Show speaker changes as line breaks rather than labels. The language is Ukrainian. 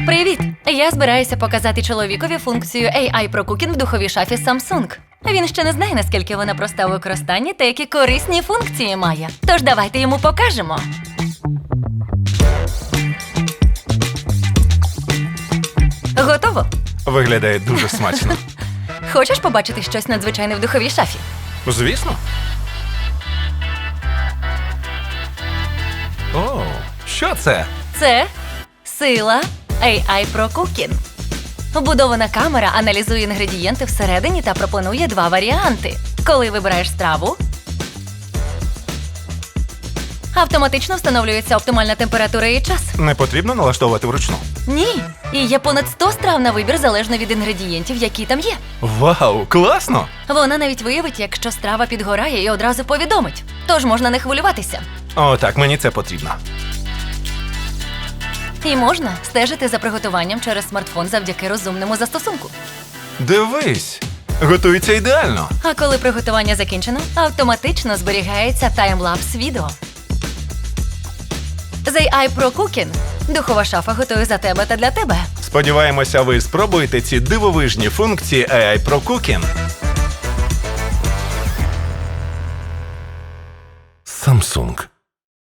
Привіт! Я збираюся показати чоловікові функцію AI Pro Cooking в духовій шафі Samsung. Він ще не знає, наскільки вона проста у використанні та які корисні функції має. Тож давайте йому покажемо. Готово?
Виглядає дуже смачно.
Хочеш побачити щось надзвичайне в духовій шафі?
Звісно. О, що це?
Це сила AI Pro Cooking. Вбудована камера аналізує інгредієнти всередині та пропонує два варіанти. Коли вибираєш страву, автоматично встановлюється оптимальна температура і час.
Не потрібно налаштовувати вручну.
Ні, і є понад 100 страв на вибір залежно від інгредієнтів, які там є.
Вау, класно!
Вона навіть виявить, якщо страва підгорає, і одразу повідомить. Тож можна не хвилюватися.
О, так, мені це потрібно.
І можна стежити за приготуванням через смартфон завдяки розумному застосунку.
Дивись, готується ідеально.
А коли приготування закінчено, автоматично зберігається таймлапс відео. З AI Pro Cooking духова шафа готує за тебе та для тебе.
Сподіваємося, ви спробуєте ці дивовижні функції AI Pro Cooking. Samsung.